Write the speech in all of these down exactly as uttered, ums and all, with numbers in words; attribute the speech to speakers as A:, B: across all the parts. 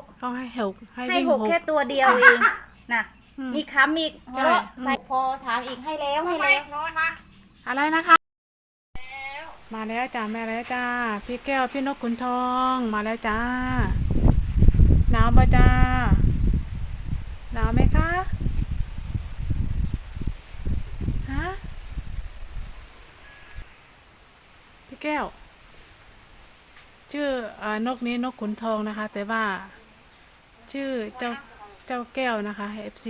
A: เขาให้หกให้
B: ให้
A: วิ่ง
B: หก
A: หก
B: แค่ตัวเดียวเองนะ
A: อืม
B: มีคำอีก
A: ใช่
B: เพราะ
A: อืม
B: ใส่พอถามอีกให้แล้วให้แล้ว
A: อะไรนะคะมาแล้วจ้าแม่แล้วจ้าพี่แก้วพี่นกขุนทองมาแล้วจ้าหนาวบ่จ้าหนาวไหมคะฮะพี่แก้วชื่อเอ่อนกนี้นกขุนทองนะคะ แต่ว่าชื่อเจ้าเจ้าแก้วนะคะ เอฟ ซี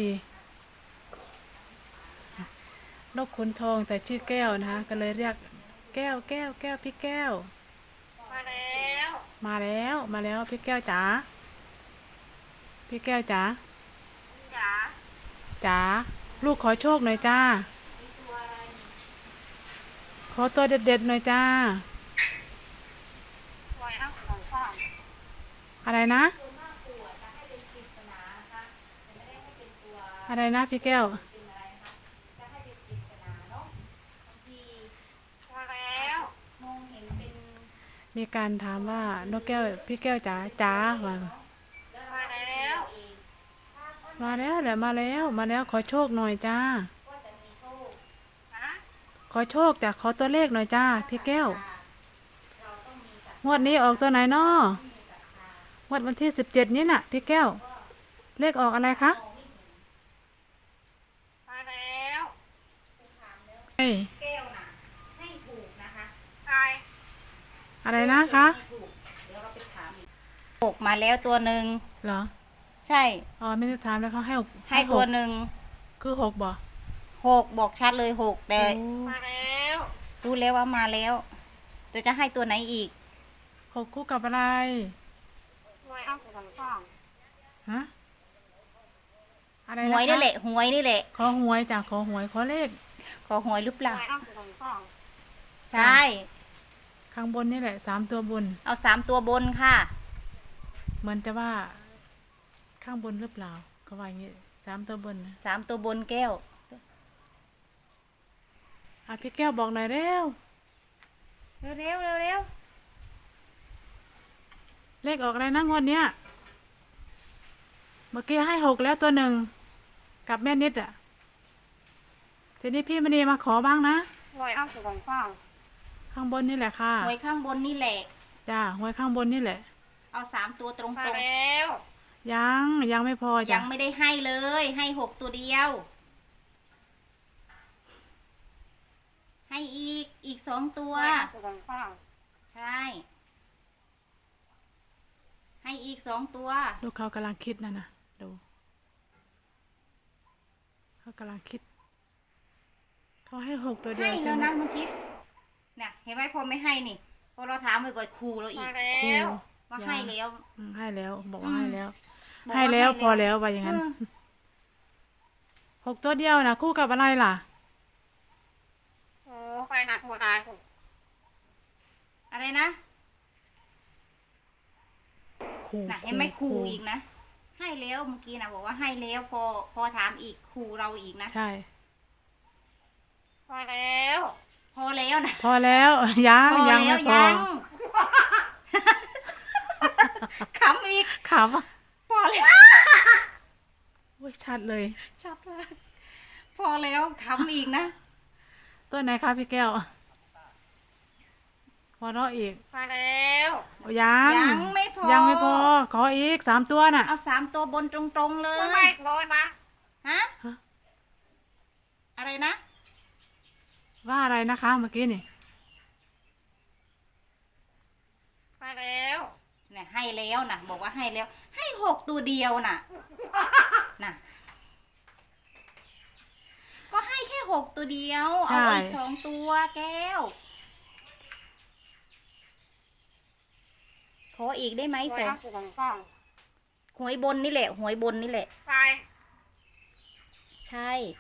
A: นกขุนทองแต่ชื่อแก้วนะคะก็เลยเรียกแก้วแก้วแก้วพี่แก้วมาแล้วมาแล้วมาแล้วพี่แก้วจ๋าพี่แก้วจ๋าจ๋าจ๋าลูกขอโชคหน่อยจ้าขอตัวเด็ดๆหน่อยจ้าอะไรนะอะไรนะพี่แก้วมีการถามว่านกแก้วพี่แก้วจ๋าจ๋าว่ามาแล้วมาแล้วแหละมาแล้วมาแล้วขอโชคหน่อยจ้าขอโชคจากขอตัวเลขหน่อยจ้าพี่แก้วงวดนี้ออกตัวไหนน้องวดวันที่สิบเจ็ดนี้น่ะพี่แก้วเลขออกอะไรคะมาแล้วเฮ้ย
B: แก้วนะให้ถูกนะคะ
A: อะไรนะคะ
B: เดี๋ยวเราไปถามอีกหกมาแล้วตัวหนึ่ง
A: เหรอ
B: ใช่
A: อ๋อไม่ได้ถามแล้วเขาให้หก
B: ให้ตัวหนึ่ง
A: คือหกบ่
B: หกบอกชัดเลยหกแต่
A: โอ้
B: รู้แล้วว่ามาแล้วแต่จะให้ตัวไหนอีก
A: หกคู่กับอะไรฮะอะไร
B: ห
A: นะคะ
B: วยนี่แหละหวยนี่แหละ
A: ขอหวยจ้ะขอหวยขอเลข
B: ขอหวยหรือเปล่าใช่
A: ข้างบนนี่แหละสามตัวบน
B: เอาสามตัวบนค่ะ
A: เหมือนจะว่าข้างบนหรือเปล่าเขาว่าอย่างงี้สามตัวบนนะ
B: สามตัวบนแก้ว
A: อ่ะพี่แก้วบอกหน่อยเร็ว
B: เร็วเร็วเร็วเร็ว
A: เลขออกอะไรนะงวดเนี้ยเมื่อกี้ให้หกแล้วตัวหนึ่งกับแม่นิดอ่ะทีนี้พี่มณีมาขอบ้างนะข้างบนนี่แหละค่ะ
B: หวยข้างบนนี่แหละ
A: จ้าหวยข้างบนนี่แหละ
B: เอาสามตัวตรงตรง
A: ยังยังไม่พอ
B: ยั
A: จ้ะ
B: งไม่ได้ให้เลย ให้หกตัวเดียว ให้อีกอีกสองตัว ใช่ ให้อีกสองตัว
A: ลูกเขากำลังคิดนะนะดูเขากำลังคิดเขาให้หกตัวเดีย
B: ให้
A: ว
B: แล้
A: ใช่
B: ว
A: ไหม
B: นะเมื่อกี้เนี่ยเห็นไหมพอไม่ให้นี่พอเราถามบ่อยๆครูเราอีก
A: ครู
B: ว่าให้แล้ว
A: อืมให้แล้วบอกว่า
B: อืม
A: ให้แล้ว
B: บอก
A: ให้แล้วพอแล้วว่าอย่างนั้น
B: เออ
A: หกตัวเดียวนะคู่กับอะไรล่ะ
B: อะไรนะ
A: คู่
B: น่ะเห็นไหมครูอีกนะ ให้แล้วเมื่อกี้นะบอกว่าให้แล้วพอพอถามอีกครูเราอีกนะ
A: ใช่
B: พอแล้วนะ
A: พอแล้วยัง
B: พอ
A: ยัง
B: แล้
A: ไม่
B: ว
A: พอ
B: ยังขำอีก
A: ขำอ่ะ
B: พอแล้ว
A: โอ้ยชัดเลย
B: ชัดมากพอแล้วขำอีกนะ
A: ตัวไหนคะพี่แก้วพอเราะอีกโอ้ยัง
B: ยังไม่พอ
A: ยังไม่พอขออีกสามตัวน่ะ
B: เอาสามตัวบนตรงๆเลยฮะ
A: ฮะ
B: อะไรนะ
A: ว่าอะไรนะคะเมื่อกี้นี่
B: เนี่ยให้แล้วนะบอกว่าให้แล้ว ให้หกตัวเดียวน่ะน่ะ ก็ให้แค่หกตัวเดียว เอาอีกสองตัวแก้ว ขออีกได้ไหมสองหวยบนนี่แหละหวยบนนี่แหละ ใช่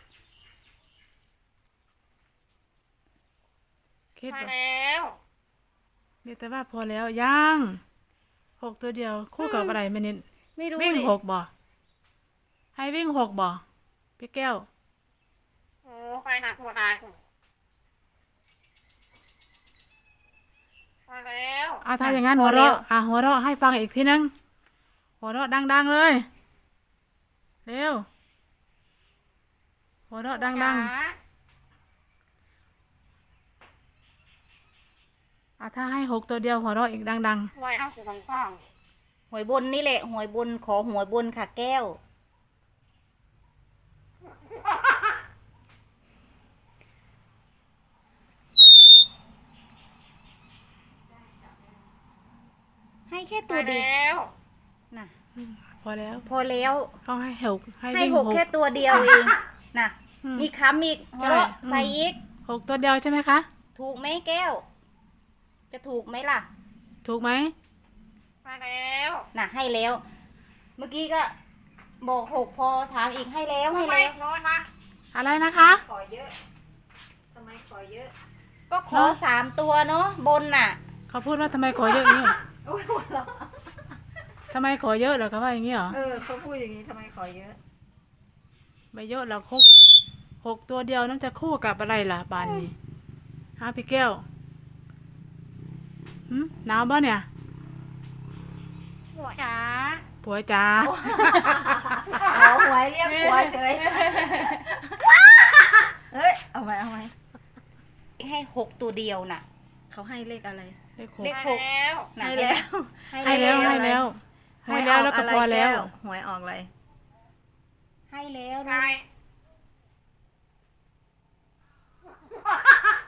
A: คิดว่ามีแต่ว่าพอแล้วยังหกตัวเดียวคู่กับอะไรไม่นิด
B: ไม่รู้
A: วิ่ง
B: เลย
A: หกบ่ให้วิ่งหกบ่พี่แก้วอ่ะถ้าอย่างนั้นหัวเราะอ่ะหัวเราะให้ฟังอีกทีนึงหัวเราะดังๆเลยเร็วหัวเราะดังๆอ่ะถ้าให้หกตัวเดียวหัวเราะอีกดัง
C: ไว้เอาสิของข้าง
B: หวยบนนี่แหละหวยบนขอหวยบนค่ะแก้ว ให้แค่ตัวเดียว
C: แล้ว
B: นะ
A: ๆพอแล้ว
B: พอแล้ว
A: ต้องให้หกให้
B: ให้
A: วิ่ง
B: ห
A: ห
B: ก
A: ก
B: แค่ตัวเดียวเองนะ
A: อืม
B: มีค้ำอีกหัวเราะ
A: ใช่
B: ใส่อีก
A: หกตัวเดียวใช่ไหมคะ
B: ถูกไหมแก้ว จะถูกไหมล่ะ
A: ถูกไหม
C: มาแล้ว
B: น่ะให้แล้ว เมื่อกี้ก็บอกหกพอถามอีกให้แล้วให้
C: ไม่
B: แล้ว
C: น้อยนะ
A: อะไรนะคะ
C: ขอเยอะทำไมขอเยอะ
B: ก็ขอสามตัวเนาะบนน่ะ
A: เขาพูดว่าทำไมขอเยอะอย่างนี้เหรอ
C: โอ้ยหัวเราะ
A: ทำไมขอเยอะเหรอเขาว่าอย่างนี้เหรอ
C: เออเขาพูดอย่างนี้ทำไมขอเยอะ
A: ไม่เยอะหรอกหกหกตัวเดียวนั่นจะคู่กับอะไรล่ะบานนี้ฮะพี่แก้วหืมหนาวบ่เนี่ย
C: หัวจ๋า
A: ผัวจ๋า
C: ขอหวยเรียกหัวเฉยเฮ้ยเอาไหมเอาไหม
B: ให้หกตัวเดียวน่ะ
C: เขาให้เลขอะไร
A: เลขหก
B: เลขหกน่ะ
C: ให้แล้ว
A: ให้แล้วให้แล้ว ให้แล้วแล้วก็พอแล้ว
C: หวยออกอะไร
B: ให้แล้ว
C: ใช่
B: นะ